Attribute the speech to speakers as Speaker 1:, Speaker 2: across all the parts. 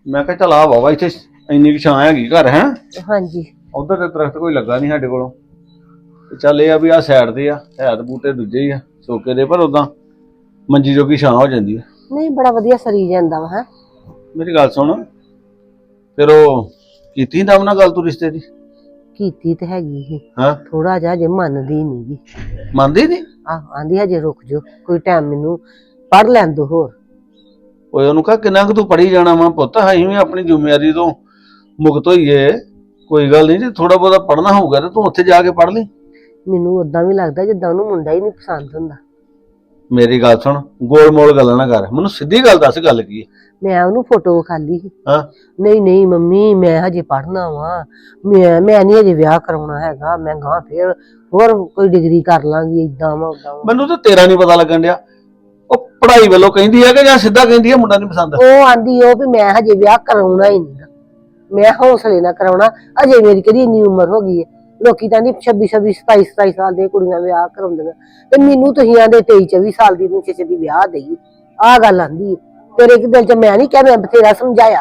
Speaker 1: ਮੈਂ ਕਿਹਾ ਚੱਲ ਆ ਵਾਵਾ ਇੱਥੇ ਇੰਨੀ ਕੁ ਛਾਂ ਹੈਗੀ ਘਰ ਹੈ।
Speaker 2: ਹਾਂਜੀ
Speaker 1: ਉਧਰ ਤੇ ਦਰਖਤ ਕੋਈ ਲੱਗਾ ਨਹੀਂ ਸਾਡੇ ਕੋਲੋਂ ਤੇ ਚੱਲ ਇਹ ਆ ਵੀ ਆ ਸਾਈਡ ਤੇ ਆ ਹੈ ਤੇ ਬੂਟੇ ਦੂਜੇ ਹੀ ਆ ਸੋਕੇ ਦੇ ਪਰ ਉਦਾਂ ਮੰਜੀ ਜੋਗੀ ਛਾਂ ਹੋ ਜਾਂਦੀ ਆ।
Speaker 2: ਨਹੀਂ ਬੜਾ ਵਧੀਆ ਸਰੀ ਜਾਂਦਾ ਵਾ।
Speaker 1: ਮੇਰੀ ਗੱਲ ਸੁਣ ਫਿਰ ਉਹ ਕੀਤੀ ਦਮ ਨਾਲ ਗੱਲ ਤੂੰ ਰਿਸ਼ਤੇ ਦੀ
Speaker 2: ਕੀਤੀ ਤੇ ਹੈਗੀ ਸੀ
Speaker 1: ਹਾਂ
Speaker 2: ਥੋੜਾ ਜਿਹਾ ਜੇ ਮੰਨਦੀ ਨੀ ਗੀ।
Speaker 1: ਮੰਨਦੀ ਨਹੀਂ
Speaker 2: ਆਂਦੀ ਹਜੇ ਰੁਕ ਜਾਓ ਕੋਈ ਟਾਈਮ ਮੈਨੂੰ ਪੜ ਲੈਣ ਦੋ ਹੋਰ।
Speaker 1: ਓਏ ਉਹਨੂੰ ਕਹ ਕਿੰਨਾ ਕੁ ਤੂੰ ਪੜੀ ਜਾਣਾ ਵਾ ਪੁੱਤ ਅਸੀਂ ਵੀ ਆਪਣੀ ਜ਼ਿੰਮੇਵਾਰੀ ਤੋਂ ਮੁਕਤ ਹੋਈਏ ਕੋਈ ਗੱਲ ਨਹੀਂ ਜੇ ਥੋੜਾ ਬਹੁਤਾ ਪੜਨਾ ਹੋਊਗਾ ਤੇ ਤੂੰ ਉੱਥੇ ਜਾ ਕੇ ਪੜ ਲਈ।
Speaker 2: ਮੈਨੂੰ ਉਦਾਂ ਵੀ ਲੱਗਦਾ ਜਿੱਦਾਂ ਉਹਨੂੰ ਮੁੰਡਾ ਹੀ ਨਹੀਂ ਪਸੰਦ ਹੁੰਦਾ।
Speaker 1: ਮੇਰੀ ਗੱਲ ਸੁਣ ਗੋਲ ਮੋਲ ਗੱਲਾਂ ਨਾ ਕਰ ਮੈਨੂੰ ਸਿੱਧੀ ਗੱਲ ਦੱਸ ਗੱਲ ਕੀ ਹੈ।
Speaker 2: ਮੈਂ ਉਹਨੂੰ ਫੋਟੋ ਖਾਲੀ ਸੀ।
Speaker 1: ਹਾਂ
Speaker 2: ਨਹੀਂ ਨਹੀਂ ਮੰਮੀ ਮੈਂ ਹਜੇ ਪੜਨਾ ਵਾ ਮੈਂ ਨਹੀਂ ਹਜੇ ਵਿਆਹ ਕਰਾਉਣਾ ਹੈਗਾ ਮੈਂ ਗਾਂ ਫੇਰ ਹੋਰ ਕੋਈ ਡਿਗਰੀ ਕਰ ਲਾਂਗੀ ਏਦਾਂ ਵਾ ਉਦਾਂ ਵਾ।
Speaker 1: ਮੈਨੂੰ ਤਾਂ ਤੇਰਾ ਨਹੀਂ ਪਤਾ ਲੱਗਣ ਡਿਆ ਉਹ ਪੜ੍ਹਾਈ ਵੱਲੋਂ ਕਹਿੰਦੀ ਹੈ ਕਿ ਜਾਂ ਸਿੱਧਾ ਕਹਿੰਦੀ ਹੈ ਮੁੰਡਾ ਨਹੀਂ ਪਸੰਦ।
Speaker 2: ਉਹ ਆਂਦੀ ਉਹ ਵੀ ਮੈਂ ਹਜੇ ਵਿਆਹ ਕਰਾਉਣਾ ਹੀ ਨਹੀਂ ਮੈਂ ਹੌਸਲੇ ਨਾਲ ਕਰਾਉਣਾ ਅਜੇ ਮੇਰੀ ਕਿਹੜੀ ਇੰਨੀ ਉਮਰ ਹੋ ਗਈ ਹੈ। ਲੋਕੀ ਤਾਂ 26 27 ਸਾਲ ਦੀਆਂ ਕੁੜੀਆਂ ਵਿਆਹ ਕਰਾਉਂਦੀਆਂ ਤੇ ਮੈਨੂੰ ਤੁਸੀਂ ਆਂਦੇ 23 24 ਸਾਲ ਦੀ ਨੂੰ ਛੇ ਦੀ ਵਿਆਹ ਦੇਈ ਆਹ ਗੱਲ ਆਂਦੀ ਤੇਰੇ ਕਿ ਦਿਲ ਚ ਮੈਂ ਨਹੀਂ ਕਿਹਾ ਮੈਂ ਬਥੇਰਾ ਸਮਝਾਇਆ।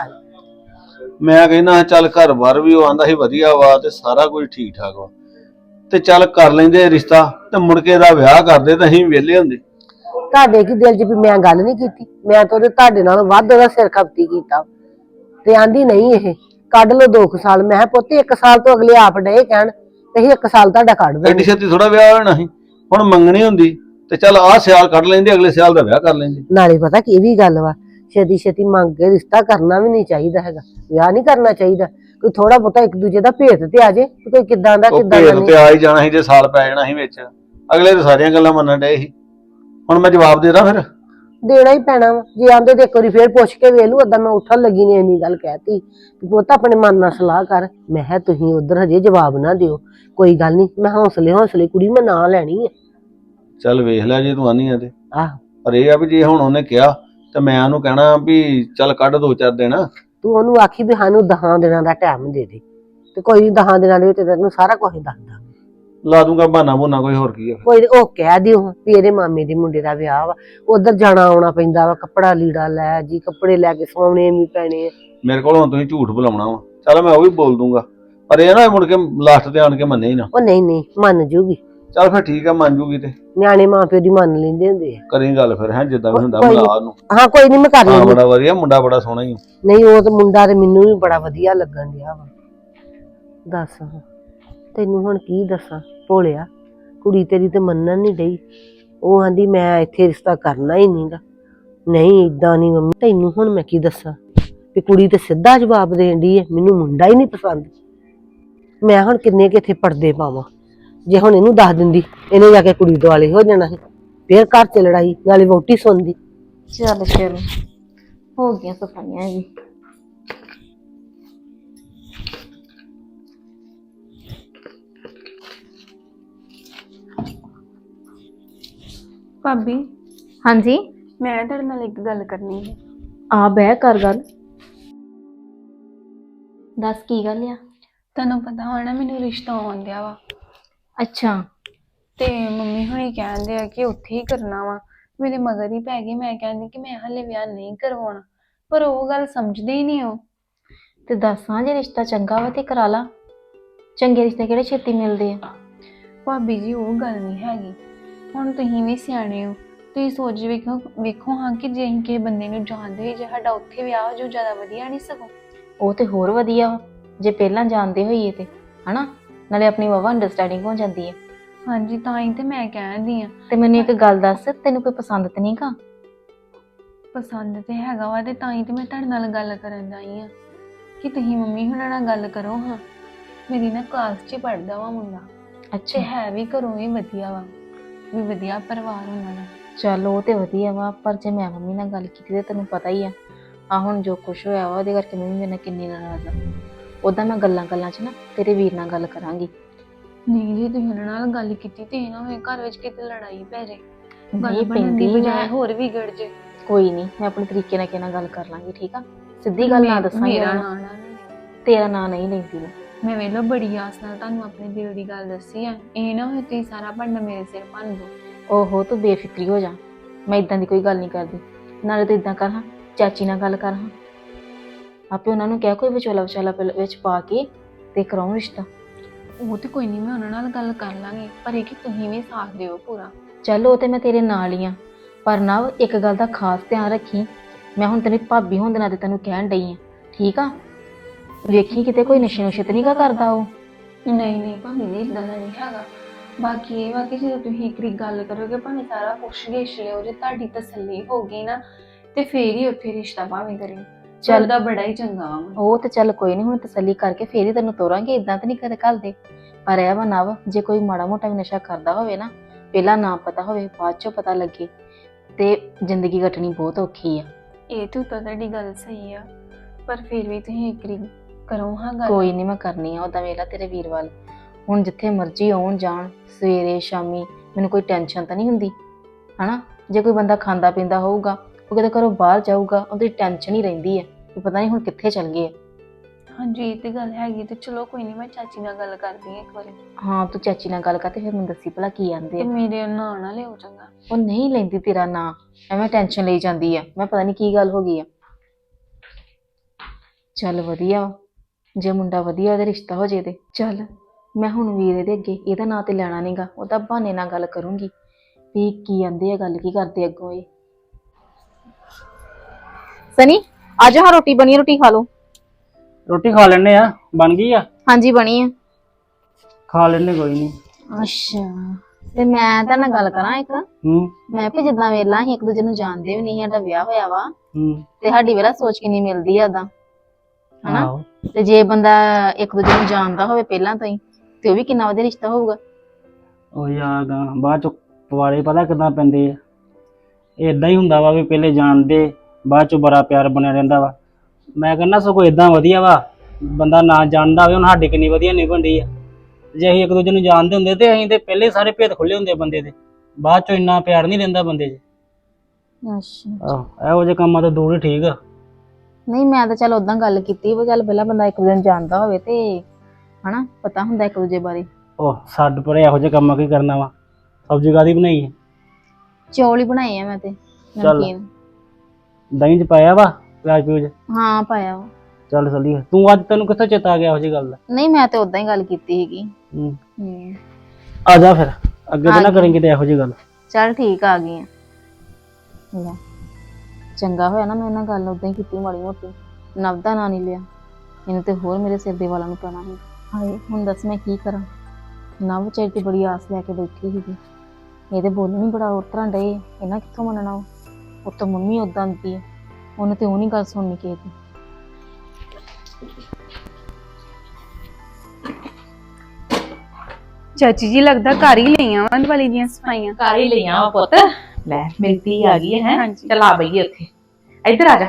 Speaker 1: ਮੈਂ ਕਹਿੰਦਾ ਚੱਲ ਘਰ ਬਾਰ ਵੀ ਉਹ ਆਂਦਾ ਸੀ ਵਧੀਆ ਵਾ ਤੇ ਸਾਰਾ ਕੁਝ ਠੀਕ ਠਾਕ ਵਾ ਤੇ ਚੱਲ ਕਰ ਲੈਂਦੇ ਰਿਸ਼ਤਾ ਤੇ ਮੁੜ ਕੇ ਦਾ ਵਿਆਹ ਕਰਦੇ ਤਾਂ ਅਸੀਂ ਵਿਹਲੇ ਹੁੰਦੇ।
Speaker 2: ਤੁਹਾਡੇ ਕੀ ਦਿਲ ਚ ਵੀ ਮੈਂ ਗੱਲ ਨਹੀਂ ਕੀਤੀ ਮੈਂ ਤਾਂ ਉਹਦੇ ਤੁਹਾਡੇ ਨਾਲ ਵੱਧ ਉਹਦਾ ਸਿਰ ਖਪਤੀ ਕੀਤਾ ਤੇ ਆਂਦੀ ਨਹੀਂ ਇਹ ਕੱਢ ਲਓ 2 ਸਾਲ ਮੈਂ ਕਿਹਾ ਪੁੱਤ 1 ਸਾਲ ਤੋਂ ਅਗਲੇ ਆਪ ਡੇ ਕਹਿਣ ਤੇ 1 ਸਾਲ ਤੁਹਾਡਾ ਕੱਢ
Speaker 1: ਐਡੀ
Speaker 2: ਦਾਂਗੇ।
Speaker 1: ਛੇਤੀ ਥੋੜਾ ਵਿਆਹ ਹੋਣਾ ਸੀ ਹੁਣ ਮੰਗਣੀ ਹੁੰਦੀ ਤੇ ਚੱਲ ਆਹ ਸਿਆਲ ਕੱਢ ਲੈਂਦੇ ਅਗਲੇ ਸਿਆਲ ਦਾ ਵਿਆਹ ਕਰ ਲੈਂਦੇ।
Speaker 2: ਨਾਲੇ ਪਤਾ ਕੀ ਵੀ ਗੱਲ ਵਾ ਛੇਤੀ ਛੇਤੀ ਮੰਗ ਕੇ ਰਿਸ਼ਤਾ ਕਰਨਾ ਵੀ ਨਹੀਂ ਚਾਹੀਦਾ ਹੈਗਾ ਵਿਆਹ ਨਹੀਂ ਕਰਨਾ ਚਾਹੀਦਾ ਕੋਈ ਥੋੜਾ ਬਹੁਤਾ ਇੱਕ ਦੂਜੇ ਦਾ ਭੇਤ ਤੇ ਆ ਜੇ ਕੋਈ ਕਿੱਦਾਂ ਦਾ
Speaker 1: ਉਹ
Speaker 2: ਕਿੱਦਾਂ ਦਾ
Speaker 1: ਭੇਦ
Speaker 2: ਨਹੀਂ।
Speaker 1: ਤੇ ਆ ਹੀ ਜਾਣਾ ਸੀ ਜੇ ਸਾਲ ਪੈ ਜਾਣਾ ਸੀ ਵਿੱਚ ਅਗਲੇ ਤਾਂ ਸਾਰੀਆਂ ਗੱਲਾਂ ਮੰਨਣ ਡਏ ਸੀ ਹੁਣ ਮੈਂ ਜਵਾਬ ਦੇ ਦਾਂ ਫਿਰ।
Speaker 2: ਦੇਣਾ ਹੀ ਪੈਣਾ ਵਾ ਜੇ ਆਂਦੇ ਤੇ ਇੱਕ ਵਾਰੀ ਫੇਰ ਪੁੱਛ ਕੇ ਵੇਖ ਲੂ ਓਦਾਂ ਮੈਂ ਉੱਠਣ ਲੱਗੀ ਨੇ ਇੰਨੀ ਗੱਲ ਕਹਿਤੀ ਪੁੱਤ ਆਪਣੇ ਮਨ ਨਾਲ ਸਲਾਹ ਕਰ ਮੈਂ ਕਿਹਾ ਤੁਸੀਂ ਉਧਰ ਹਜੇ ਜਵਾਬ ਨਾ ਦਿਓ ਕੋਈ ਗੱਲ ਨਹੀਂ ਮੈਂ ਹੌਸਲੇ ਕੁੜੀ ਮੈਂ ਨਾਂ ਲੈਣੀ ਆ।
Speaker 1: ਚੱਲ ਵੇਖ ਲੈ ਜੇ ਤੂੰ ਆਨੀ ਆ ਤੇ
Speaker 2: ਆਹ
Speaker 1: ਪਰ ਇਹ ਆ ਵੀ ਜੇ ਹੁਣ ਉਹਨੇ ਕਿਹਾ ਤੇ ਮੈਂ ਉਹਨੂੰ ਕਹਿਣਾ ਵੀ ਚੱਲ ਕੱਢ 2-4 ਦਿਨ।
Speaker 2: ਤੂੰ ਉਹਨੂੰ ਆਖੀ ਵੀ ਸਾਨੂੰ 10 ਦਿਨਾਂ ਦਾ ਟਾਈਮ ਦੇ ਦੇ ਤੇ ਕੋਈ ਨੀ 10 ਦਿਨਾਂ ਦੇ ਵਿੱਚ ਤੈਨੂੰ ਸਾਰਾ ਕੁਝ ਦੱਸ ਦਾਂਗੇ।
Speaker 1: ਲਾ ਦੂੰਗਾ ਬਹਾਨਾ ਬੁਨਾ ਕੋਈ ਹੋਰ ਕੀ ਆ।
Speaker 2: ਕੋਈ ਉਹ ਕਹਿ ਦਿਓ ਵੀ ਇਹਦੇ ਮਾਮੇ ਦੇ ਮੁੰਡੇ ਦਾ ਵਿਆਹ ਵਾ ਉਧਰ ਜਾਣਾ ਆਉਣਾ ਪੈਂਦਾ ਵਾ ਕੱਪੜਾ ਲੀੜਾ ਲੈ ਜੀ ਕੱਪੜੇ ਲੈ ਕੇ ਸਵਾਉਣੇ ਵੀ ਪੈਣੇ ਆ।
Speaker 1: ਮੇਰੇ ਕੋਲ ਹੁਣ ਤੁਸੀਂ ਝੂਠ ਬੁਲਾਉਣਾ ਵਾ ਚੱਲ ਮੈਂ ਉਹ ਵੀ ਬੋਲ ਦੂੰਗਾ ਪਰ ਇਹ ਨਾ ਮੁੜ ਕੇ ਲਾਸਟ ਤੇ ਆਣ ਕੇ ਮੰਨੇ ਹੀ ਨਾ।
Speaker 2: ਉਹ ਨਹੀਂ ਮੰਨ ਜੂਗੀ
Speaker 1: ਚੱਲ ਫਿਰ ਠੀਕ ਆ ਮੰਨ ਜੂਗੀ ਤੇ
Speaker 2: ਨਿਆਣੇ ਮਾਂ ਪਿਓ ਦੀ ਮੰਨ ਲੈਂਦੇ ਹੁੰਦੇ ਆ।
Speaker 1: ਕਰੀ ਗੱਲ ਫਿਰ ਹੈ ਜਿੱਦਾਂ ਵੀ ਹੁੰਦਾ
Speaker 2: ਕੋਈ ਨੀ।
Speaker 1: ਮਿਲਾ ਉਹਨੂੰ।
Speaker 2: ਹਾਂ ਕੋਈ ਨਹੀਂ ਮੈਂ ਕਰ
Speaker 1: ਹਾਂ
Speaker 2: ਲੈਂਦੀ।
Speaker 1: ਬੜਾ ਵਧੀਆ ਮੁੰਡਾ ਬੜਾ ਸੋਹਣਾ ਹੀ।
Speaker 2: ਨਹੀਂ ਉਹ ਤਾਂ ਮੁੰਡਾ ਤੇ ਮੈਨੂੰ ਵੀ ਬੜਾ ਵਧੀਆ ਲੱਗਣ ਡਿਆ ਵਾ। ਦੱਸ ਤੈਨੂੰ ਹੁਣ ਕੀ ਦੱਸਾਂ ਭੋਲਿਆ ਕੁੜੀ ਤੇਰੀ ਤੇ ਮੰਨਣ ਨਹੀਂ ਡਈ ਉਹ ਆਂਦੀ ਮੈਂ ਇੱਥੇ ਰਿਸ਼ਤਾ ਕਰਨਾ ਹੀ ਨਹੀਂਗਾ। ਨਹੀਂ ਏਦਾਂ ਨਹੀਂ ਮੰਮੀ ਤੈਨੂੰ ਹੁਣ ਮੈਂ ਕੀ ਦੱਸਾਂ ਵੀ ਕੁੜੀ ਤੇ ਸਿੱਧਾ ਜਵਾਬ ਦੇਣ ਡਈ ਹੈ ਮੈਨੂੰ ਮੁੰਡਾ ਹੀ ਨਹੀਂ ਪਸੰਦ। ਮੈਂ ਹੁਣ ਕਿੰਨੇ ਕਿ ਇੱਥੇ ਪਰਦੇ ਪਾਵਾਂ ਜੇ ਹੁਣ ਇਹਨੂੰ ਦੱਸ ਦਿੰਦੀ ਇਹਨੇ ਜਾ ਕੇ ਕੁੜੀ ਦੁਆਲੇ ਹੋ ਜਾਣਾ ਸੀ ਫੇਰ ਘਰ ਚ ਲੜਾਈ ਨਾਲੇ ਵਹੁਟੀ ਸੁਣਦੀ।
Speaker 3: ਚੱਲ ਫਿਰ ਹੋ ਗਈਆਂ ਸਫਾਈਆਂ ਜੀ।
Speaker 4: ਭਾਬੀ
Speaker 3: ਹਾਂਜੀ
Speaker 4: ਮੈਂ ਤੁਹਾਡੇ ਨਾਲ ਇੱਕ ਗੱਲ ਕਰਨੀ ਹੈ।
Speaker 3: ਆ ਬਹਿ ਕਰ ਗੱਲ ਦੱਸ ਕੀ ਗੱਲ ਆ।
Speaker 4: ਤੁਹਾਨੂੰ ਪਤਾ ਹੋਣਾ ਮੈਨੂੰ ਰਿਸ਼ਤਾ ਆਉਣ ਡਿਆ ਵਾ
Speaker 3: ਅੱਛਾ
Speaker 4: ਤੇ ਮੰਮੀ ਹੁਣੀ ਕਹਿੰਦੇ ਆ ਕਿ ਉੱਥੇ ਹੀ ਕਰਨਾ ਵਾ। ਮੇਰੇ ਮਗਰ ਹੀ ਪੈ ਗਈ ਮੈਂ ਕਹਿੰਦੀ ਕਿ ਮੈਂ ਹਲੇ ਵਿਆਹ ਨਹੀਂ ਕਰਵਾਉਣਾ ਪਰ ਉਹ ਗੱਲ ਸਮਝਦੇ ਹੀ ਨਹੀਂ ਉਹ।
Speaker 3: ਤੇ ਦੱਸਾਂ ਜੇ ਰਿਸ਼ਤਾ ਚੰਗਾ ਵਾ ਤੇ ਕਰਾ ਲਾ ਚੰਗੇ ਰਿਸ਼ਤੇ ਕਿਹੜੇ ਛੇਤੀ ਮਿਲਦੇ ਆ।
Speaker 4: ਭਾਬੀ ਜੀ ਉਹ ਗੱਲ ਨਹੀਂ ਹੈਗੀ ਹੁਣ ਤੁਸੀਂ ਵੀ ਸਿਆਣੇ ਹੋ ਤੁਸੀਂ ਸੋਚ ਵੇਖੋ ਹਾਂ ਕਿ ਜੇ ਅਸੀਂ ਕਿਸੇ ਬੰਦੇ ਨੂੰ ਜਾਣਦੇ ਹੋਈਏ ਜੇ ਸਾਡਾ ਉੱਥੇ ਵਿਆਹ ਹੋ ਜਾਊ ਜ਼ਿਆਦਾ ਵਧੀਆ ਨਹੀਂ ਸਗੋਂ।
Speaker 3: ਉਹ ਤੇ ਹੋਰ ਵਧੀਆ ਵਾ ਜੇ ਪਹਿਲਾਂ ਜਾਣਦੇ ਹੋਈਏ ਤੇ ਹਨਾ ਨਾਲੇ ਆਪਣੀ ਵਾਵਾ ਅੰਡਰਸਟੈਂਡਿੰਗ ਹੋ ਜਾਂਦੀ ਹੈ।
Speaker 4: ਹਾਂਜੀ ਤਾਂ ਹੀ ਤੇ ਮੈਂ ਕਹਿੰਦੀ ਆ।
Speaker 3: ਤੇ ਮੈਨੂੰ ਇੱਕ ਗੱਲ ਦੱਸ ਤੈਨੂੰ ਕੋਈ ਪਸੰਦ ਤੇ ਨਹੀਂ ਗਾ।
Speaker 4: ਪਸੰਦ ਤੇ ਹੈਗਾ ਵਾ ਤੇ ਤਾਂ ਹੀ ਤੇ ਮੈਂ ਤੁਹਾਡੇ ਨਾਲ ਗੱਲ ਕਰਨ ਆਈ ਆ ਕਿ ਤੁਸੀਂ ਮੰਮੀ ਹੁਣਾਂ ਨਾਲ ਗੱਲ ਕਰੋ ਹਾਂ। ਮੇਰੀ ਨਾ ਕਲਾਸ 'ਚ ਪੜ੍ਹਦਾ ਵਾ ਮੁੰਡਾ
Speaker 3: ਅੱਛਾ
Speaker 4: ਤੇ ਹੈ ਵੀ ਘਰੋਂ ਵੀ ਵਧੀਆ ਵਾ ਵੀ ਵਧੀਆ ਪਰਿਵਾਰ ਉਹਨਾਂ ਦਾ।
Speaker 3: ਚੱਲ ਉਹ ਤੇ ਵਧੀਆ ਵਾ ਪਰ ਜੇ ਮੈਂ ਮੰਮੀ ਨਾਲ ਗੱਲ ਕੀਤੀ ਤੇ ਤੈਨੂੰ ਪਤਾ ਹੀ ਆ ਹੁਣ ਜੋ ਕੁਛ ਹੋਇਆ ਵਾ ਉਹਦੇ ਕਰਕੇ ਮੰਮੀ ਮੇਰੇ ਨਾਲ ਕਿੰਨੀ ਨਾਰਾਜ਼ ਆ। ਉਦਾਂ ਮੈਂ ਗੱਲਾਂ 'ਚ ਨਾ ਤੇਰੇ ਵੀਰ ਨਾਲ ਗੱਲ ਕਰਾਂਗੀ।
Speaker 4: ਨਹੀਂ ਜੀ ਤੁਸੀਂ ਉਹਨਾਂ ਨਾਲ ਗੱਲ ਕੀਤੀ ਤੇ ਇਹ ਨਾ ਹੋਏ ਘਰ ਵਿੱਚ ਕਿਤੇ ਲੜਾਈ ਪੈ ਜਾਏ ਗੱਲ
Speaker 3: ਨਹੀਂ
Speaker 4: ਬਣਨ ਦੀ
Speaker 3: ਪੈਂਦੀ
Speaker 4: ਬਜਾਏ ਹੋਰ ਵਿਗੜ ਜੇ।
Speaker 3: ਕੋਈ ਨਹੀਂ ਮੈਂ ਆਪਣੇ ਤਰੀਕੇ ਨਾਲ ਕਿਹਨਾਂ ਗੱਲ ਕਰ ਲਾਂਗੀ ਠੀਕ ਆ ਸਿੱਧੀ ਗੱਲ ਨਾ ਦੱਸਾਂਗੀ
Speaker 4: ਮੇਰਾ
Speaker 3: ਉਹਨੂੰ।
Speaker 4: ਨਾਂ ਨਾ
Speaker 3: ਤੇਰਾ ਨਾਂ ਨਹੀਂ ਲੈਂਦੀ
Speaker 4: ਮੈਂ ਵੇਲੋ ਬੜੀ ਆਸ ਨਾਲ ਤੁਹਾਨੂੰ ਆਪਣੇ ਦਿਲ ਦੀ ਗੱਲ ਦੱਸੀ ਆ ਇਹ ਨਾ ਹੋਏ ਤੁਸੀਂ ਸਾਰਾ ਭਾਂਡਾ ਮੇਰੇ ਸਿਰ ਭੰਨ ਦਿਓ।
Speaker 3: ਓਹੋ ਤੂੰ ਬੇਫਿਕਰੀ ਹੋ ਜਾ ਮੈਂ ਇਦਾਂ ਦੀ ਕੋਈ ਗੱਲ ਨਹੀਂ ਕਰਦੀ ਨਾਲੇ ਤੂੰ ਇਦਾਂ ਕਰ ਹਾਂ ਚਾਚੀ ਨਾਲ ਗੱਲ ਕਰ ਹਾਂ। ਆਪੇ ਉਹਨਾਂ ਨੂੰ ਕਹਿ ਕੋਈ ਵਿਚੋਲਾ ਵਿਚਾਲਾ ਵਿੱਚ ਪਾ ਕੇ ਤੇ ਕਰਾਉ ਰਿਸ਼ਤਾ।
Speaker 4: ਉਹ ਤੇ ਕੋਈ ਨਹੀਂ, ਮੈਂ ਉਹਨਾਂ ਨਾਲ ਗੱਲ ਕਰ ਲਾਂਗੀ, ਪਰ ਇਹ ਕਿ ਤੁਸੀਂ ਵੀ ਸਾਥ ਦਿਓ ਪੂਰਾ।
Speaker 3: ਚੱਲ ਉਹ ਤੇ ਮੈਂ ਤੇਰੇ ਨਾਲ ਹੀ ਆ, ਪਰ ਨਾ ਇੱਕ ਗੱਲ ਦਾ ਖਾਸ ਧਿਆਨ ਰੱਖੀ। ਮੈਂ ਹੁਣ ਤੇਰੀ ਭਾਬੀ ਹੋਣ ਦੇ ਨਾਤੇ ਤੈਨੂੰ ਕਹਿਣ ਡਈ ਆ, ਠੀਕ ਆ? ਵੇਖੀ ਕਿਤੇ ਕੋਈ ਨਸ਼ੇ ਨੁਸ਼ੇ ਤੇ ਨਹੀਂਗਾ ਕਰਦਾ ਉਹ।
Speaker 4: ਨਹੀਂ ਨਹੀਂ ਭਾਵੇਂ ਜੀ ਇਦਾਂ ਦਾ ਨਹੀਂ ਹੈਗਾ। ਬਾਕੀ ਇਹ ਵਾ ਕਿ ਜਦੋਂ ਤੁਸੀਂ ਇੱਕ ਵਾਰੀ ਗੱਲ ਕਰੋਗੇ, ਭਾਵੇਂ ਸਾਰਾ ਪੁੱਛ ਗਿੱਛ ਲਿਓ, ਜੇ ਤੁਹਾਡੀ ਤਸੱਲੀ ਹੋ ਗਈ ਨਾ ਤੇ ਫੇਰ ਹੀ ਉੱਥੇ ਰਿਸ਼ਤਾ ਭਾਵੇਂ ਕਰੇ। ਚੱਲਦਾ ਬੜਾ ਹੀ ਚੰਗਾ ਵਾ।
Speaker 3: ਉਹ ਤੇ ਚੱਲ ਕੋਈ ਨਹੀਂ, ਹੁਣ ਤਸੱਲੀ ਕਰਕੇ ਫੇਰ ਹੀ ਤੈਨੂੰ ਤੋਰਾਂਗੇ, ਇਦਾਂ ਤਾਂ ਨਹੀਂ ਕਦੇ ਘੱਲਦੇ। ਪਰ ਇਹ ਵਾ ਨਵ, ਜੇ ਕੋਈ ਮਾੜਾ ਮੋਟਾ ਵੀ ਨਸ਼ਾ ਕਰਦਾ ਹੋਵੇ ਨਾ, ਪਹਿਲਾਂ ਨਾ ਪਤਾ ਹੋਵੇ ਬਾਅਦ ਚੋਂ ਪਤਾ ਲੱਗੇ ਤੇ ਜ਼ਿੰਦਗੀ ਕੱਟਣੀ ਬਹੁਤ ਔਖੀ ਆ।
Speaker 4: ਇਹ ਤਾਂ ਤੁਹਾਡੀ ਗੱਲ ਸਹੀ ਆ, ਪਰ ਫਿਰ ਵੀ ਤੁਸੀਂ ਇੱਕ ਵਾਰੀ ਕਰੋ ਹਾਂ ਗੱਲ।
Speaker 3: ਕੋਈ ਨਹੀਂ, ਮੈਂ ਕਰਨੀ ਆ। ਉਹਦਾ ਵੇਲਾ ਤੇਰੇ ਵੀਰ ਵੱਲ, ਹੁਣ ਜਿੱਥੇ ਮਰਜ਼ੀ ਆਉਣ ਜਾਣ, ਸਵੇਰੇ ਸ਼ਾਮੀ, ਮੈਨੂੰ ਕੋਈ ਟੈਨਸ਼ਨ ਤਾਂ ਨਹੀਂ ਹੁੰਦੀ ਹਨਾ। ਜੇ ਕੋਈ ਬੰਦਾ ਖਾਂਦਾ ਪੀਂਦਾ ਹੋਊਗਾ, ਉਹ ਕਿਤੇ ਘਰੋਂ ਬਾਹਰ ਜਾਊਗਾ, ਉਹਦੀ ਟੈਨਸ਼ਨ ਹੀ ਰਹਿੰਦੀ ਹੈ ਕਿ ਪਤਾ ਨਹੀਂ ਹੁਣ ਕਿੱਥੇ ਚੱਲ ਗਏ।
Speaker 4: ਹਾਂਜੀ ਇਹ ਤੇ ਗੱਲ ਹੈਗੀ, ਤੇ ਚਲੋ ਕੋਈ ਨਹੀਂ, ਮੈਂ ਚਾਚੀ ਨਾਲ ਗੱਲ ਕਰਦੀ ਹਾਂ ਇੱਕ ਵਾਰੀ।
Speaker 3: ਹਾਂ ਤੂੰ ਚਾਚੀ ਨਾਲ ਗੱਲ ਕਰ ਤੇ ਫਿਰ ਮੈਨੂੰ ਦੱਸੀ ਭਲਾ ਕੀ ਆਂਦੇ
Speaker 4: ਤੇ
Speaker 3: ਆ।
Speaker 4: ਮੇਰੇ ਨਾਂ ਨਾ ਲਿਓ ਚੰਗਾ।
Speaker 3: ਉਹ ਨਹੀਂ ਲੈਂਦੀ ਤੇਰਾ ਨਾਂ, ਐਵੇਂ ਟੈਨਸ਼ਨ ਲਈ ਜਾਂਦੀ ਆ। ਮੈਂ ਪਤਾ ਨਹੀਂ ਕੀ ਗੱਲ ਹੋ ਗਈ ਆ। ਚੱਲ ਵਧੀਆ ਵਾ, ਜੇ ਮੁੰਡਾ ਵਧੀਆ ਉਹਦਾ ਰਿਸ਼ਤਾ ਹੋ ਜੇ ਤੇ ਚੱਲ। ਮੈਂ ਹੁਣ ਵੀਰੇ ਦੇ ਅੱਗੇ ਇਹਦਾ ਨਾਂ ਤੇ ਲੈਣਾ ਨਹੀਂਗਾ, ਉਹਦਾ ਬਹਾਨੇ ਨਾਲ ਗੱਲ ਕਰੂੰਗੀ ਵੀ ਕੀ ਆਂਦੇ ਆ, ਗੱਲ ਕੀ ਕਰਦੇ ਅੱਗੋਂ ਇਹ। ਸਨੀ ਆ ਜਾ, ਹਾਂ ਰੋਟੀ ਬਣੀ ਆ, ਰੋਟੀ ਖਾ ਲਓ।
Speaker 5: ਰੋਟੀ ਖਾ ਲੈਣੇ ਆ, ਬਣ ਗਈ ਆ?
Speaker 3: ਹਾਂਜੀ ਬਣੀ ਆ।
Speaker 5: ਖਾ ਲੈਣੇ, ਕੋਈ ਨਹੀਂ।
Speaker 3: ਅੱਛਾ ਤੇ ਮੈਂ ਤਾਂ ਨਾਲ ਗੱਲ ਕਰਾਂ ਇੱਕ।
Speaker 5: ਹੂੰ
Speaker 3: ਮੈਂ ਵੀ ਜਿੱਦਾਂ ਵੇਲਾ ਅਸੀਂ ਇੱਕ ਦੂਜੇ ਨੂੰ ਜਾਣਦੇ ਵੀ ਨਹੀਂ, ਸਾਡਾ ਵਿਆਹ ਹੋਇਆ ਵਾ
Speaker 5: ਹੂੰ
Speaker 3: ਤੇ ਸਾਡੀ ਵੇਲਾ ਸੋਚ ਕਿੰਨੀ ਮਿਲਦੀ ਆ ਓਦਾਂ ਹਨਾ।
Speaker 5: ਆਹੋ।
Speaker 3: ਤੇ ਜੇ ਬੰਦਾ ਇੱਕ ਦੂਜੇ ਨੂੰ ਜਾਣਦਾ ਹੋਵੇ ਪਹਿਲਾਂ ਤੋਂ ਹੀ, ਤੇ ਉਹ ਵੀ ਕਿੰਨਾ ਵਧੀਆ ਰਿਸ਼ਤਾ ਹੋਊਗਾ।
Speaker 5: ਉਹ ਯਾਰ ਬਾਅਦ ਚ ਪਵਾੜੇ ਪਤਾ ਕਿੱਦਾਂ ਪੈਂਦੇ ਆ। ਏਦਾਂ ਹੀ ਹੁੰਦਾ ਵਾ ਵੀ ਪਹਿਲੇ ਜਾਣਦੇ, ਬਾਅਦ ਚ ਬੜਾ ਪਿਆਰ ਬਣਿਆ ਰਹਿੰਦਾ ਵਾ। ਮੈਂ ਕਹਿੰਦਾ ਸਗੋਂ ਏਦਾਂ ਵਧੀਆ ਵਾ, ਬੰਦਾ ਨਾ ਜਾਣਦਾ ਹੋਵੇ। ਹੁਣ ਸਾਡੀ ਕਿੰਨੀ ਵਧੀਆ ਨਿਭਣਦੀ ਆ। ਜੇ ਅਸੀਂ ਇੱਕ ਦੂਜੇ ਨੂੰ ਜਾਣਦੇ ਹੁੰਦੇ ਤੇ ਅਸੀਂ ਤੇ ਪਹਿਲੇ ਸਾਰੇ ਭੇਦ ਖੁੱਲੇ ਹੁੰਦੇ ਬੰਦੇ ਦੇ, ਬਾਅਦ ਚ ਇੰਨਾ ਪਿਆਰ ਨਹੀਂ ਰਹਿੰਦਾ ਬੰਦੇ 'ਚ।
Speaker 3: ਅੱਛਾ
Speaker 5: ਆਹੋ ਇਹੋ ਜਿਹੇ ਕੰਮਾਂ ਤੋਂ ਦੂਰ ਹੀ ਠੀਕ ਆ।
Speaker 3: ਨਹੀਂ ਮੈਂ ਤਾਂ ਚੱਲ ਓਦਾਂ ਗੱਲ ਕੀਤੀ ਵੀ ਚੱਲ ਪਹਿਲਾਂ ਬੰਦਾ ਇੱਕ ਦੂਜੇ ਨੂੰ ਜਾਣਦਾ ਹੋਵੇ ਤੇ ਹਨਾ, ਪਤਾ ਹੁੰਦਾ ਇੱਕ ਦੂਜੇ ਬਾਰੇ।
Speaker 5: ਉਹ ਛੱਡ ਪਰੇ, ਇਹੋ ਜਿਹੇ ਕੰਮਾਂ ਕੀ ਕਰਨਾ ਵਾ। ਸਬਜ਼ੀ ਕਾਹਦੀ ਬਣਾਈ ਹੈ?
Speaker 3: ਚੌਲ ਹੀ ਬਣਾਏ ਆ ਮੈਂ ਤੇ
Speaker 5: ਚੱਲ।
Speaker 3: ਨਮਕੀਨ।
Speaker 5: ਦਹੀਂ ਚ ਪਾਇਆ ਵਾ ਪਿਆਜ਼ ਪਿਊਜ਼?
Speaker 3: ਹਾਂ ਪਾਇਆ ਵਾ।
Speaker 5: ਚੱਲ ਚੱਲੀਏ। ਤੂੰ ਅੱਜ ਤੈਨੂੰ ਕਿੱਥੋਂ ਚੇਤਾ ਆ ਗਿਆ ਇਹੋ ਜਿਹੀ ਗੱਲ ਦਾ?
Speaker 3: ਨਹੀਂ ਮੈਂ ਤੇ ਓਦਾਂ ਹੀ ਗੱਲ ਕੀਤੀ ਸੀਗੀ।
Speaker 5: ਹੂੰ ਆ ਜਾ ਫਿਰ, ਅੱਗੇ ਤਾਂ ਨਾ ਕरेंगे ਤੇ ਇਹੋ ਜਿਹੀ ਗੱਲ।
Speaker 3: ਚੱਲ ਠੀਕ ਆ ਗਈ ਆ। ਲੈ ਚੰਗਾ ਹੋਇਆ ਨਾ ਮੈਂ ਇਹਨਾਂ ਗੱਲ ਉਦਾਂ ਹੀ ਕੀਤੀ ਮਾੜੀ ਮੋਟੀ, ਨਵ ਦਾ ਨਾਂ ਨਹੀਂ ਲਿਆ। ਇਹਨੂੰ ਤੇ ਹੋਰ ਮੇਰੇ ਸਿਰ ਦੇ ਵਾਲਾਂ ਨੂੰ ਪੈਣਾ ਸੀ। ਹਾਏ ਹੁਣ ਦੱਸ ਮੈਂ ਕੀ ਕਰਾਂ। ਨਵ ਵਿਚਾਰੀ ਤੇ ਬੜੀ ਆਸ ਲੈ ਕੇ ਬੈਠੀ ਸੀਗੀ, ਇਹਦੇ ਬੋਲਣ ਹੀ ਬੜਾ ਹੋਰ ਤਰ੍ਹਾਂ ਡਏ। ਇਹਨਾਂ ਕਿੱਥੋਂ ਮੰਨਣਾ। ਉਹ ਤਾਂ ਮੰਮੀ ਉਦਾਂ ਦੀ ਹੈ, ਉਹਨੇ ਤੇ ਉਹ ਨਹੀਂ ਗੱਲ ਸੁਣਨੀ ਕਿਸੇ ਦੀ।
Speaker 4: ਚਾਚੀ ਜੀ ਲੱਗਦਾ ਘਰ ਹੀ ਲਈਆਂ ਵਾਂ ਦੀਵਾਲੀ ਦੀਆਂ ਸਫਾਈਆਂ।
Speaker 6: ਘਰ ਹੀ ਲਈਆਂ ਵਾ ਪੁੱਤ। ਲੈ ਮੇਰੀ ਧੀ ਆ ਗਈ ਹੈ।
Speaker 4: ਹਾਂਜੀ।
Speaker 6: ਚਲ ਆ ਬਈਏ ਉੱਥੇ, ਇੱਧਰ ਆ ਜਾ।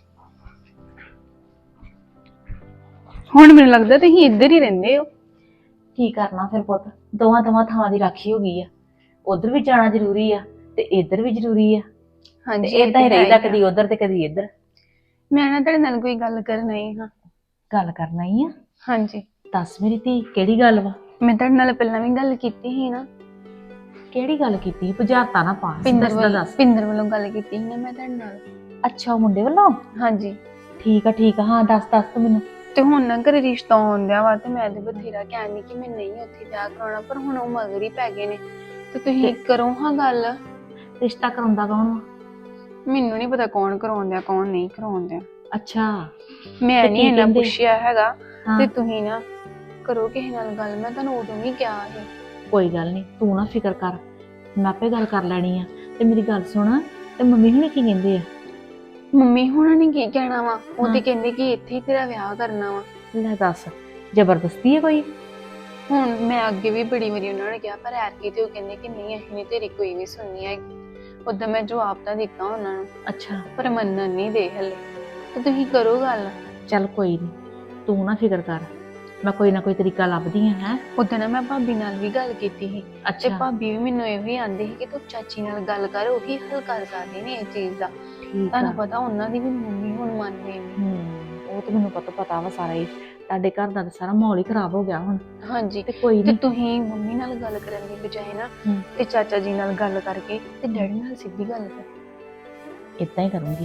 Speaker 4: ਹੁਣ ਮੈਨੂੰ ਲੱਗਦਾ ਤੁਸੀਂ ਇੱਧਰ ਹੀ ਰਹਿੰਦੇ ਹੋ।
Speaker 6: ਕੀ ਕਰਨਾ ਫਿਰ ਪੁੱਤ, ਦੋਵਾਂ ਥਾਵਾਂ ਦੀ ਰਾਖੀ ਹੋ ਗਈ ਆ। ਉਧਰ ਵੀ ਜਾਣਾ ਜ਼ਰੂਰੀ ਆ ਤੇ ਇੱਧਰ ਵੀ ਜ਼ਰੂਰੀ ਆ। ਤੇ
Speaker 4: ਹਾਂਜੀ
Speaker 6: ਏਦਾਂ ਹੀ ਰਹੀਦਾ, ਕਦੀ ਉਧਰ ਤੇ ਕਦੀ ਇੱਧਰ।
Speaker 4: ਮੈਂ ਨਾ ਤੁਹਾਡੇ ਨਾਲ ਕੋਈ ਗੱਲ ਕਰਨ ਆਈ ਹਾਂ।
Speaker 6: ਗੱਲ ਕਰਨਾ ਹੀ ਆ?
Speaker 4: ਹਾਂਜੀ
Speaker 6: ਦੱਸ ਮੇਰੀ ਧੀ, ਕਿਹੜੀ ਗੱਲ ਵਾ?
Speaker 4: ਮੈਂ ਤੁਹਾਡੇ ਨਾਲ ਪਹਿਲਾਂ ਵੀ ਗੱਲ ਕੀਤੀ ਸੀ ਨਾ।
Speaker 6: ਕਿਹੜੀ ਗੱਲ ਕੀਤੀ? ਬੁਝਾਰਤਾ ਨਾ ਪਾ,
Speaker 4: ਪਿੰਦਰ
Speaker 6: ਦੱਸਦਾ ਦੱਸ।
Speaker 4: ਪਿੰਦਰ ਵੱਲੋਂ ਗੱਲ ਕੀਤੀ ਸੀ ਨਾ ਮੈਂ ਤੁਹਾਡੇ ਨਾਲ।
Speaker 6: ਅੱਛਾ ਉਹ ਮੁੰਡੇ ਵੱਲੋਂ?
Speaker 4: ਹਾਂਜੀ
Speaker 6: ਠੀਕ ਆ ਹਾਂ ਦੱਸ ਤੂੰ ਮੈਨੂੰ।
Speaker 4: ਤੇ ਹੁਣ ਨਾ ਘਰੇ ਰਿਸ਼ਤਾ ਆਉਂਦਿਆ ਵਾ, ਤੇ ਮੈਂ ਤੇ ਬਥੇਰਾ ਕਹਿੰਦੀ ਕਿ ਮੈਂ ਨਹੀਂ ਉੱਥੇ ਵਿਆਹ ਕਰਾਉਣਾ, ਪਰ ਹੁਣ ਉਹ ਮਗਰ ਹੀ ਪੈ ਗਏ ਨੇ। ਤੇ ਤੁਸੀਂ ਕਰੋ ਹਾਂ ਗੱਲ।
Speaker 6: ਰਿਸ਼ਤਾ ਕਰਾਉਂਦਾ ਕੌਣ ਵਾ?
Speaker 4: ਮੈਨੂੰ ਨਹੀਂ ਪਤਾ ਕੌਣ ਕਰਾਉਂਦਿਆ ਕੌਣ ਨਹੀਂ ਕਰਾਉਂਦਿਆ।
Speaker 6: ਅੱਛਾ
Speaker 4: ਮੈਂ
Speaker 6: ਤੇ
Speaker 4: ਨਹੀਂ
Speaker 6: ਕੀ
Speaker 4: ਇਹਨਾਂ
Speaker 6: ਕਹਿੰਦੇ?
Speaker 4: ਪੁੱਛਿਆ ਹੈਗਾ।
Speaker 6: ਹਾਂ।
Speaker 4: ਤੇ ਤੁਸੀਂ ਨਾ ਕਰੋ ਕਿਸੇ ਨਾਲ ਗੱਲ। ਮੈਂ ਤੁਹਾਨੂੰ ਉਦੋਂ ਵੀ ਕਿਹਾ ਸੀ।
Speaker 6: ਕੋਈ ਗੱਲ ਨਹੀਂ, ਤੂੰ ਨਾ ਫਿਕਰ ਕਰ, ਮੈਂ ਆਪੇ ਗੱਲ ਕਰ ਲੈਣੀ ਆ। ਤੇ ਮੇਰੀ ਗੱਲ ਸੁਣ, ਤੇ ਮੰਮੀ ਹੁਣੇ ਕੀ ਕਹਿੰਦੇ ਆ?
Speaker 4: ਮੰਮੀ ਹੁਣਾਂ ਨੇ ਕੀ ਕਹਿਣਾ ਵਾ? ਉਹ ਤੇ
Speaker 6: ਹਾਂ।
Speaker 4: ਕਹਿੰਦੇ ਕਿ ਇੱਥੇ ਹੀ ਤੇਰਾ ਵਿਆਹ ਕਰਨਾ ਵਾ।
Speaker 6: ਲੈ ਦੱਸ, ਜ਼ਬਰਦਸਤੀ ਹੈ ਕੋਈ?
Speaker 4: ਹੁਣ ਮੈਂ ਅੱਗੇ ਵੀ ਬੜੀ ਵਾਰੀ ਉਹਨਾਂ ਨੇ ਕਿਹਾ, ਪਰ ਐਤਕੀ ਤੇ ਉਹ ਕਹਿੰਦੇ ਕਿ ਨਹੀਂ ਅਸੀਂ ਨਹੀਂ ਤੇਰੀ ਕੋਈ ਵੀ ਸੁਣਨੀ ਹੈਗੀ। ਉਦੋਂ ਮੈਂ ਜਵਾਬ ਤਾਂ ਦਿੱਤਾ ਉਹਨਾਂ ਨੂੰ,
Speaker 6: ਅੱਛਾ
Speaker 4: ਪਰ ਮੰਨਣ ਨਹੀਂ ਦੇ ਹਲੇ। ਤੇ ਤੁਸੀਂ ਕਰੋ ਗੱਲ।
Speaker 6: ਚੱਲ ਕੋਈ ਨਹੀਂ, ਤੂੰ ਨਾ ਫਿਕਰ ਕਰ, ਮੈਂ ਕੋਈ ਨਾ ਕੋਈ ਤਰੀਕਾ ਲੱਭਦੀ ਆ। ਹੈ
Speaker 4: ਉਦੋਂ ਨਾ ਮੈਂ ਭਾਬੀ ਨਾਲ ਵੀ ਗੱਲ ਕੀਤੀ ਸੀ, ਤੇ
Speaker 6: ਅੱਛਾ
Speaker 4: ਭਾਬੀ ਵੀ ਮੈਨੂੰ ਇਹ ਵੀ ਆਂਦੀ ਸੀ ਕਿ ਤੂੰ ਚਾਚੀ ਨਾਲ ਗੱਲ ਕਰ, ਉਹੀ ਹੱਲ ਕਰ ਸਕਦੇ ਨੇ ਇਹ ਚੀਜ਼ ਦਾ।
Speaker 6: ਠੀਕ ਆ।
Speaker 4: ਤੁਹਾਨੂੰ ਪਤਾ ਉਹਨਾਂ ਦੀ ਵੀ ਮੰਮੀ ਹੁਣ ਮੰਨਦੇ ਨੇ।
Speaker 6: ਉਹ ਤੇ ਮੈਨੂੰ ਪਤਾ ਵਾ ਸਾਰਾ ਹੀ। ਤੁਹਾਡੇ ਘਰ ਦਾ ਤਾਂ ਸਾਰਾ ਮਾਹੌਲ ਹੀ ਖਰਾਬ ਹੋ ਗਿਆ ਹੁਣ।
Speaker 4: ਹਾਂਜੀ
Speaker 6: ਤੇ ਕੋਈ
Speaker 4: ਤੇ
Speaker 6: ਨਹੀਂ,
Speaker 4: ਤੁਸੀਂ ਮੰਮੀ ਨਾਲ ਗੱਲ ਕਰਨ ਦੀ ਬਜਾਏ ਨਾ
Speaker 6: ਹੂੰ।
Speaker 4: ਤੇ ਚਾਚਾ ਜੀ ਨਾਲ ਗੱਲ ਕਰਕੇ ਤੇ ਡੈਡੀ ਨਾਲ ਸਿੱਧੀ ਗੱਲ ਕਰ।
Speaker 6: ਇਦਾਂ ਹੀ ਕਰੂੰਗੀ।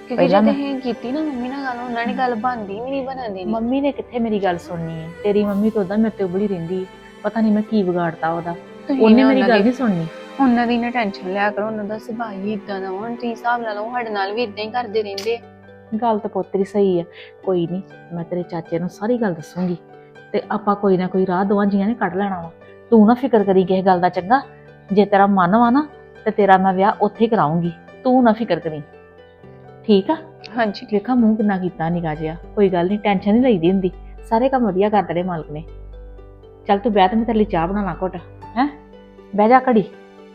Speaker 4: ਕਿਉਂਕਿ
Speaker 6: ਪਹਿਲਾਂ
Speaker 4: ਜੇ
Speaker 6: ਮੈਂ-
Speaker 4: ਤੁਸੀਂ ਕੀਤੀ ਨਾ ਮੰਮੀ ਨਾਲ ਗੱਲ, ਉਹਨਾਂ ਨੇ ਗੱਲ ਬਣਦੀ ਵੀ ਨਹੀਂ ਬਣਨ ਦੇਣੀ।
Speaker 6: ਮੰਮੀ ਨੇ ਕਿੱਥੇ ਮੇਰੀ ਗੱਲ ਸੁਣਨੀ ਹੈ? ਤੇਰੀ ਮੰਮੀ ਤਾਂ ਉਦਾਂ ਮੇਰੇ ਤੇ ਉਬਲੀ ਰਹਿੰਦੀ ਹੈ। ਪਤਾ ਨਹੀਂ ਮੈਂ ਕੀ ਵਿਗਾੜਤਾ ਉਹਦਾ।
Speaker 4: ਤੁਸੀਂ
Speaker 6: ਉਹਨੇ
Speaker 4: ਨਾ
Speaker 6: ਮੇਰੀ
Speaker 4: ਉਹਨਾਂ
Speaker 6: ਗੱਲ
Speaker 4: ਦੀ-
Speaker 6: ਨਹੀਂ ਸੁਣਨੀ।
Speaker 4: ਉਹਨਾਂ ਦੀ ਨਾ ਟੈਨਸ਼ਨ ਲਿਆ ਕਰੋ, ਉਹਨਾਂ ਦਾ ਸੁਭਾਅ ਹੀ ਇਦਾਂ ਦਾ ਵਾ। ਹੁਣ ਤੁਸੀਂ ਹਿਸਾਬ ਲਾ ਲਓ, ਸਾਡੇ ਨਾਲ ਵੀ ਇਦਾਂ ਹੀ ਕਰਦੇ ਰਹਿੰਦੇ ਆ।
Speaker 6: ਗੱਲ ਤਾਂ ਪੁੱਤ ਤੇਰੀ ਸਹੀ ਆ। ਕੋਈ ਨਹੀਂ, ਮੈਂ ਤੇਰੇ ਚਾਚੇ ਨੂੰ ਸਾਰੀ ਗੱਲ ਦੱਸੂਗੀ ਤੇ ਆਪਾਂ ਕੋਈ ਨਾ ਕੋਈ ਰਾਹ ਦੋਵਾਂ ਜੀਆਂ ਨੇ ਕੱਢ ਲੈਣਾ ਵਾ। ਤੂੰ ਨਾ ਫਿਕਰ ਕਰੀ ਕਿਸੇ ਗੱਲ ਦਾ, ਚੰਗਾ? ਜੇ ਤੇਰਾ ਮਨ ਵਾ ਨਾ ਤੇ ਤੇਰਾ ਮੈਂ ਵਿਆਹ ਉੱਥੇ ਹੀ ਕਰਾਉਂਗੀ। ਤੂੰ ਨਾ ਫਿਕਰ ਕਰੀ, ਠੀਕ ਆ?
Speaker 4: ਹਾਂਜੀ
Speaker 6: ਵੇਖਾ ਮੂੰਹ ਕਿੰਨਾ ਕੀਤਾ ਨਿਕਾ ਜਿਹਾ। ਕੋਈ ਗੱਲ ਨਹੀਂ, ਟੈਨਸ਼ਨ ਨਹੀਂ ਲਈਦੀ ਹੁੰਦੀ। ਸਾਰੇ ਕੰਮ ਵਧੀਆ ਕਰ ਦੇਣੇ ਮਾਲਕ ਨੇ। ਚੱਲ ਤੂੰ ਬਹਿ, ਤੇ ਮੈਂ ਤੇਰੇ ਲਈ ਚਾਹ ਬਣਾ ਲਾਂ ਘੁੱਟ। ਹੈ, ਬਹਿ ਜਾ ਘੜੀ।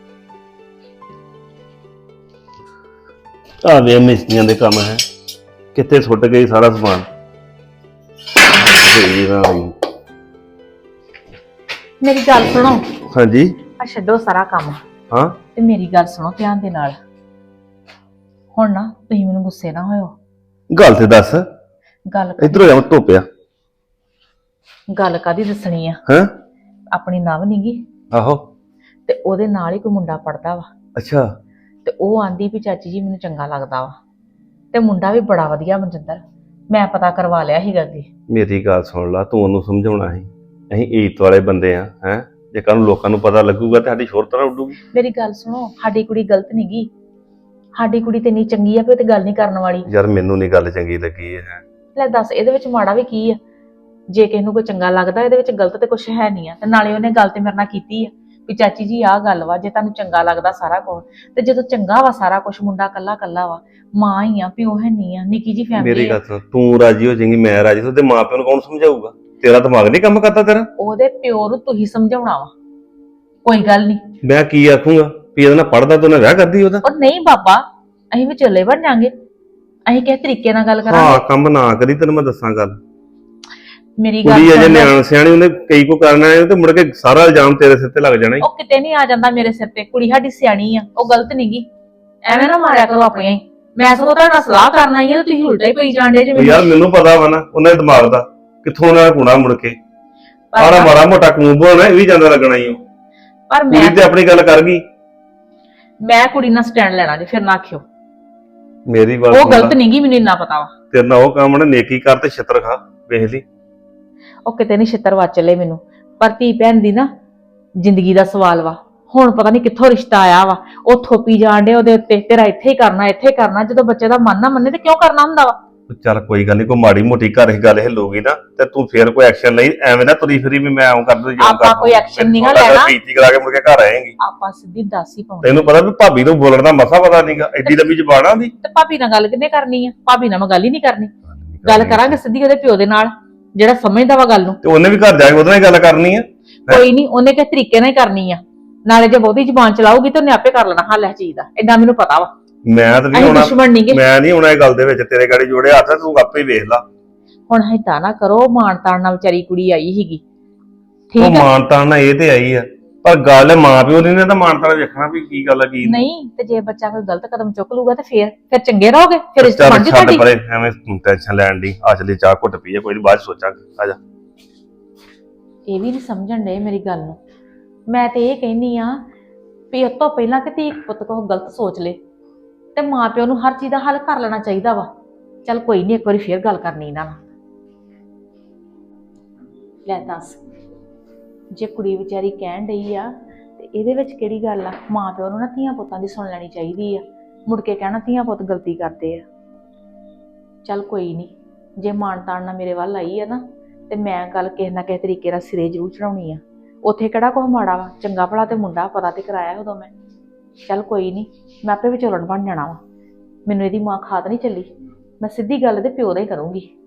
Speaker 1: ਆ ਵੇ ਮਿਸਤਰੀਆਂ ਦੇ ਕੰਮ ਹੈ, ਕਿੱਥੇ ਸੁੱਟ ਗਈ ਸਾਰਾ ਸਮਾਨ। ਹੋਈ ਨਾ ਹੋਈ।
Speaker 6: ਮੇਰੀ ਗੱਲ ਸੁਣੋ।
Speaker 1: ਹਾਂਜੀ
Speaker 6: ਆ ਛੱਡੋ ਸਾਰਾ ਕੰਮ
Speaker 1: ਹਾਂ
Speaker 6: ਤੇ ਮੇਰੀ ਗੱਲ ਸੁਣੋ ਧਿਆਨ ਦੇ ਨਾਲ। ਹੁਣ ਨਾ ਤੁਸੀਂ ਮੈਨੂੰ ਗੁੱਸੇ ਨਾ ਹੋਇਓ।
Speaker 1: ਗੱਲ ਤੇ ਦੱਸ।
Speaker 6: ਗੱਲ
Speaker 1: ਇਧਰੋਂ ਜਾ ਧੋਪਿਆ।
Speaker 6: ਗੱਲ ਕਾਦੀ ਦੱਸਣੀ ਆ?
Speaker 1: ਹਾਂ
Speaker 6: ਆਪਣੀ ਨਵ ਨੀਗੀ
Speaker 1: ਆਹੋ
Speaker 6: ਤੇ ਉਹਦੇ ਨਾਲ ਹੀ ਕੋਈ ਮੁੰਡਾ ਪੜਦਾ ਵਾ
Speaker 1: ਅੱਛਾ
Speaker 6: ਤੇ ਉਹ ਆਂਦੀ ਵੀ ਚਾਚੀ ਜੀ ਮੈਨੂੰ ਚੰਗਾ ਲੱਗਦਾ ਵਾ ਤੇ ਮੁੰਡਾ ਵੀ ਬੜਾ ਵਧੀਆ ਮਨਜਿੰਦਰ। ਮੈਂ ਪਤਾ ਕਰਵਾ ਲਿਆ ਸੀਗਾ ਅੱਗੇ।
Speaker 1: ਮੇਰੀ ਗੱਲ ਸੁਣ ਲਾ, ਤੂੰ ਉਹਨੂੰ ਸਮਝਾਉਣਾ ਸੀ। ਅਸੀਂ ਈਤ ਵਾਲੇ ਬੰਦੇ ਆ ਹੈ, ਜੇ ਕੱਲ ਨੂੰ ਲੋਕਾਂ ਨੂੰ ਪਤਾ ਲੱਗੂਗਾ ਤੇ ਸਾਡੀ ਸ਼ੋਹਰਤ ਨਾ ਉੱਡੂਗੀ।
Speaker 6: ਮੇਰੀ ਗੱਲ ਸੁਣੋ, ਸਾਡੀ ਕੁੜੀ ਗਲਤ ਨੀਗੀ। ਸਾਡੀ ਕੁੜੀ ਤੇ ਇੰਨੀ ਚੰਗੀ ਆ ਵੀ ਉਹ ਤੇ ਗੱਲ ਨਹੀਂ ਕਰਨ ਵਾਲੀ।
Speaker 1: ਯਾਰ ਮੈਨੂੰ ਨਹੀਂ ਗੱਲ ਚੰਗੀ ਲੱਗੀ ਹੈ।
Speaker 6: ਲੈ ਦੱਸ, ਇਹਦੇ ਵਿੱਚ ਮਾੜਾ ਵੀ ਕੀ ਆ? ਜੇ ਕਿਸੇ ਨੂੰ ਕੋਈ ਚੰਗਾ ਲੱਗਦਾ, ਇਹਦੇ ਵਿੱਚ ਗਲਤ ਤੇ ਕੁਛ ਹੈ ਨਹੀਂ ਆ। ਤੇ ਨਾਲੇ ਉਹਨੇ ਗੱਲ ਤੇ ਮੇਰੇ ਨਾਲ ਕੀਤੀ ਆ ਵੀ ਚਾਚੀ ਜੀ ਆਹ ਗੱਲ ਵਾ, ਜੇ ਤੁਹਾਨੂੰ ਚੰਗਾ ਲੱਗਦਾ ਸਾਰਾ ਕੁਝ, ਤੇ ਜਦੋਂ ਚੰਗਾ ਵਾ ਸਾਰਾ ਕੁਝ, ਮੁੰਡਾ ਕੱਲਾ ਕੱਲਾ ਵਾ, ਮਾਂ ਹੀ ਆ, ਪਿਓ ਹੈ ਨਹੀਂ ਆ, ਨਿੱਕੀ ਜੀ
Speaker 1: ਮੇਰੀ
Speaker 6: ਫੈਮਿਲੀ ਆ।
Speaker 1: ਗੱਲ ਸੁਣ, ਤੂੰ ਰਾਜੀ ਹੋ ਜਾਏਂਗੀ, ਮੈਂ ਰਾਜੀ ਹੋ, ਤੇ ਮਾਂ ਪਿਓ ਨੂੰ ਕੌਣ ਸਮਝਾਊਗਾ? ਤੇਰਾ ਦਿਮਾਗ ਨਹੀਂ ਕੰਮ ਕਰਦਾ ਤੇਰਾ?
Speaker 6: ਉਹਦੇ ਪਿਓ ਨੂੰ ਤੁਸੀਂ ਸਮਝਾਉਣਾ ਵਾ। ਕੋਈ ਗੱਲ ਨਹੀਂ।
Speaker 1: ਮੈਂ ਕੀ ਆਖੂੰਗਾ ਵੀ ਇਹਦੇ ਨਾਲ ਪੜਦਾ ਤੂੰ ਨਾ ਵਿਆਹ ਕਰਦੀ ਉਹਦਾ?
Speaker 6: ਉਹ ਨਹੀਂ ਬਾਬਾ, ਅਸੀਂ ਵੀ ਚੱਲੇ ਬਣ ਜਾਾਂਗੇ। ਅਸੀਂ ਕਿਸ ਤਰੀਕੇ ਨਾਲ ਗੱਲ
Speaker 1: ਹਾਂ
Speaker 6: ਕਰਾਂਗੇ।
Speaker 1: ਕੰਮ ਨਾ ਕਰੀ, ਤੈਨੂੰ ਮੈਂ ਦੱਸਾਂ ਗੱਲ।
Speaker 6: ਮੇਰੀ ਗੱਲ
Speaker 1: ਕੁੜੀ ਅਜੇ
Speaker 6: ਸੁਣ ਲੈ।
Speaker 1: ਨਿਆਣ ਸਿਆਣੀ, ਉਹਨੇ ਕਈ ਕੋ ਕਰਨਾ ਹੈ ਤੇ ਮੁੜ ਕੇ ਸਾਰਾ ਇਲਜ਼ਾਮ ਤੇਰੇ ਸਿਰ ਤੇ ਲੱਗ ਜਾਣਾ ਈ।
Speaker 6: ਉਹ ਕਿਤੇ ਨਹੀਂ ਆ ਜਾਂਦਾ ਮੇਰੇ ਸਿਰ ਤੇ। ਕੁੜੀ ਸਾਡੀ ਸਿਆਣੀ ਆ, ਉਹ ਗਲਤ ਨਹੀਂਗੀ। ਐਵੇਂ ਨਾ ਮਾਰਿਆ ਕਰੋ ਆਪਣੀਆਂ ਹੀ। ਮੈਂ ਸਗੋਂ ਤੁਹਾਡਾ ਸਲਾਹ ਕਰਨ ਆਈ ਆ ਤੇ ਤੁਸੀਂ ਉਲਟਾ ਹੀ ਪਈ ਜਾਂਦੇ ਜੇ
Speaker 1: ਉਹ ਯਾਰ ਮੈਨੂੰ ਪਤਾ ਵਾ ਨਾ ਉਹਨਾਂ ਦੇ ਦਿਮਾਗ ਦਾ, ਕਿੱਥੋਂ ਉਹਨਾਂ ਦਾ ਕੁਣਾ ਮੁੜ ਕੇ ਸਾਰਾ ਮਾੜਾ ਮੋਟਾ ਕੂੰਬ ਹੋਣਾ, ਇਹ ਵੀ ਜਾਂਦਾ ਲੱਗਣਾ ਹੀ।
Speaker 6: ਪਰ
Speaker 1: ਕੁੜੀ ਤੇ ਆਪਣੀ ਗੱਲ ਕਰ ਗਈ।
Speaker 6: ਮੈਂ ਕੁੜੀ ਨਾਲ ਸਟੈਂਡ ਲੈਣਾ ਜੇ, ਫਿਰ ਨਾ ਆਖਿਓ।
Speaker 1: ਮੇਰੀ ਗੱਲ
Speaker 6: ਉਹ
Speaker 1: ਸੁਣ ਲਾ,
Speaker 6: ਗਲਤ ਨਹੀਂਗੀ, ਮੈਨੂੰ ਇੰਨਾ ਪਤਾ ਵਾ।
Speaker 1: ਤੇਰੇ ਨਾਲ ਉਹ ਕੰਮ ਨਾ ਨੇਕੀ ਕਰ ਤੇ ਛਿੱਤਰ ਖਾ, ਵੇਖ ਲਈ।
Speaker 6: ਉਹ ਕਿਤੇ ਨਹੀਂ ਛਿੱਤਰ ਵੱਜ ਚੱਲੇ ਮੈਨੂੰ। ਪਰ ਧੀ ਭੈਣ ਦੀ ਨਾ ਜ਼ਿੰਦਗੀ ਦਾ ਸਵਾਲ ਵਾ। ਹੁਣ ਪਤਾ ਨਹੀਂ ਕਿੱਥੋਂ ਰਿਸ਼ਤਾ ਆਇਆ ਵਾ। ਉਹ ਥੋਪੀ ਜਾਣ ਡੇ ਉਹਦੇ ਉੱਤੇ, ਤੇਰਾ ਇੱਥੇ ਹੀ ਕਰਨਾ, ਇੱਥੇ ਹੀ ਕਰਨਾ। ਜਦੋਂ ਬੱਚੇ ਦਾ ਮਨ ਨਾ ਮੰਨੇ ਤੇ ਕਿਉਂ ਕਰਨਾ ਹੁੰਦਾ ਵਾ?
Speaker 1: ਚੱਲ ਕੋਈ ਗੱਲ ਨਹੀਂ, ਕੋਈ ਮਾੜੀ ਮੋਟੀ ਘਰ ਹੀ ਗੱਲ ਹਿੱਲੂਗੀ ਨਾ ਤੇ ਤੂੰ ਫੇਰ ਕੋਈ ਐਕਸ਼ਨ ਲਈ, ਐਵੇਂ ਨਾ ਤੁਰੀ ਫਿਰੀ ਵੀ ਮੈਂ ਆਉਂ ਕਰ ਦੂੰ ਜਾਂ
Speaker 6: ਆਪਾਂ ਕੋਈ action ਨੀ ਗਾ ਲੈਣਾ।
Speaker 1: ਬੇਇੱਜ਼ਤੀ ਕਰਾ ਕੇ ਮੁੜ ਕੇ ਘਰ ਆਏਂਗੀ।
Speaker 6: ਆਪਾਂ ਸਿੱਧੀ ਦੱਸ ਹੀ ਪਾਉਣੀ।
Speaker 1: ਤੈਨੂੰ ਪਤਾ ਵੀ ਭਾਬੀ ਤੋਂ ਬੋਲਣ ਦਾ ਮਸਾ ਪਤਾ ਨਹੀਂਗਾ, ਐਡੀ ਲੰਮੀ ਜ਼ਬਾਨ ਆਂਦੀ।
Speaker 6: ਤੇ ਭਾਬੀ ਨਾਲ ਗੱਲ ਕਿੰਨੇ ਕਰਨੀ ਆ? ਭਾਬੀ ਨਾਲ ਮੈਂ ਗੱਲ ਹੀ ਨਹੀਂ ਕਰਨੀ। ਗੱਲ ਕਰਾਂਗੇ ਸਿੱਧੀ ਉਹਦੇ ਪਿਓ ਦੇ ਨਾਲ, ਜਿਹੜਾ ਸਮਝਦਾ ਵਾ ਗੱਲ ਨੂੰ।
Speaker 1: ਤੇ ਉਹਨੇ ਵੀ ਘਰ ਜਾ ਕੇ ਉਹਦੇ ਨਾਲ ਹੀ ਗੱਲ ਕਰਨੀ ਆ।
Speaker 6: ਕੋਈ ਨਹੀਂ, ਉਹਨੇ ਕਿਸ ਤਰੀਕੇ ਨਾਲ ਹੀ ਕਰਨੀ ਆ। ਨਾਲੇ ਜੇ ਬਹੁਤੀ ਜ਼ਬਾਨ ਚਲਾਊਗੀ ਤਾਂ ਉਹਨੇ ਆਪੇ ਕਰ ਲੈਣਾ ਹੱਲ ਇਸ ਚੀਜ਼ ਦਾ। ਏਦਾਂ ਮੈਨੂੰ ਪਤਾ ਵਾ।
Speaker 1: ਮੈਂ ਤਾਂ ਨਹੀਂ
Speaker 6: ਅਸੀਂ
Speaker 1: ਹੋਣਾ,
Speaker 6: ਦੁਸ਼ਮਣ ਨਹੀਂਗੇ।
Speaker 1: ਮੈਂ ਨਹੀਂ ਹੋਣਾ ਇਹ ਗੱਲ ਦੇ ਵਿੱਚ। ਤੇਰੇ ਗਾੜੀ ਜੋੜੇ ਹੱਥ, ਤੂੰ ਆਪੇ ਵੇਖ ਲਾ।
Speaker 6: ਹੁਣ ਹਿੱਤਾ ਨਾ ਕਰੋ। ਮਾਣ ਤਾਣ ਨਾਲ ਵਿਚਾਰੀ ਕੁੜੀ ਆਈ ਸੀਗੀ,
Speaker 1: ਉਹ
Speaker 6: ਠੀਕ ਆ?
Speaker 1: ਮਾਨਤਾਨ ਨਾਲ ਇਹ ਤੇ ਆਈ ਆ, ਪਰ ਗੱਲ ਮਾਂ ਪਿਓ ਨੇ ਤਾਂ ਮਾਨਤਾਨ ਵੇਖਣਾ ਵੀ ਕੀ ਗੱਲ ਆ ਕੀ
Speaker 6: ਨਹੀਂ ਤੇ ਜੇ ਬੱਚਾ ਕੋਈ ਗਲਤ ਕਦਮ ਚੁੱਕ ਲੂਗਾ ਤੇ ਫਿਰ ਚੰਗੇ ਰਹੋਗੇ, ਫਿਰ ਇਸ
Speaker 1: ਚੱਲ
Speaker 6: ਬਣ ਜੂ
Speaker 1: ਛੱਡ
Speaker 6: ਤੁਹਾਡੀ।
Speaker 1: ਪਰੇ, ਐਵੇਂ ਟੈਨਸ਼ਨ ਲੈਣ ਦੀ। ਆ ਚਲੀ ਚਾਹ ਘੁੱਟ ਪੀਏ, ਕੋਈ ਨਹੀਂ ਬਾਅਦ ਚ ਸੋਚਾਂਗੇ। ਆ ਜਾ।
Speaker 6: ਇਹ ਵੀ ਨਹੀਂ ਸਮਝਣ ਦੇ ਮੇਰੀ ਗੱਲ ਨੂੰ। ਮੈਂ ਤੇ ਇਹ ਕਹਿੰਦੀ ਆ ਵੀ ਉਸ ਤੋਂ ਪਹਿਲਾਂ ਕਿ ਧੀ ਪੁੱਤ ਕੋਲ ਗਲਤ ਸੋਚ ਲੇ ਤੇ ਮਾਂ ਪਿਓ ਨੂੰ ਹਰ ਚੀਜ਼ ਦਾ ਹੱਲ ਕਰ ਲੈਣਾ ਚਾਹੀਦਾ ਵਾ। ਚੱਲ ਕੋਈ ਨਹੀਂ, ਇੱਕ ਵਾਰੀ ਫੇਰ ਗੱਲ ਕਰਨੀ ਇਹਨਾਂ ਨਾਲ। ਲੈ ਦੱਸ, ਜੇ ਕੁੜੀ ਵਿਚਾਰੀ ਕਹਿਣ ਡਈ ਆ ਤੇ ਇਹਦੇ ਵਿੱਚ ਕਿਹੜੀ ਗੱਲ ਆ? ਮਾਂ ਪਿਓ ਨੂੰ ਨਾ ਧੀਆਂ ਪੁੱਤਾਂ ਦੀ ਸੁਣ ਲੈਣੀ ਚਾਹੀਦੀ ਆ। ਮੁੜ ਕੇ ਕਹਿਣਾ ਧੀਆਂ ਪੁੱਤ ਗਲਤੀ ਕਰਦੇ ਆ। ਚੱਲ ਕੋਈ ਨਹੀਂ, ਜੇ ਮਾਣ ਤਾਣ ਨਾਲ ਮੇਰੇ ਵੱਲ ਆਈ ਆ ਨਾ ਤੇ ਮੈਂ ਗੱਲ ਕਿਸੇ ਨਾ ਕਿਸੇ ਤਰੀਕੇ ਨਾਲ ਸਿਰੇ ਜ਼ਰੂਰ ਚੜਾਉਣੀ ਆ। ਉੱਥੇ ਕਿਹੜਾ ਕੁਛ ਮਾੜਾ ਵਾ, ਚੰਗਾ ਭਲਾ ਤੇ ਮੁੰਡਾ, ਪਤਾ ਤੇ ਕਰਾਇਆ ਉਦੋਂ ਮੈਂ। ਚੱਲ ਕੋਈ ਨਹੀਂ, ਮੈਂ ਆਪੇ ਵਿਚੋਲਣ ਬਣ ਜਾਣਾ ਵਾ। ਮੈਨੂੰ ਇਹਦੀ ਮਾਂ ਖਾਤ ਨਹੀਂ ਚੱਲੀ। ਮੈਂ ਸਿੱਧੀ ਗੱਲ ਦੇ ਪਿਓ ਦਾ ਹੀ ਕਰੂੰਗੀ।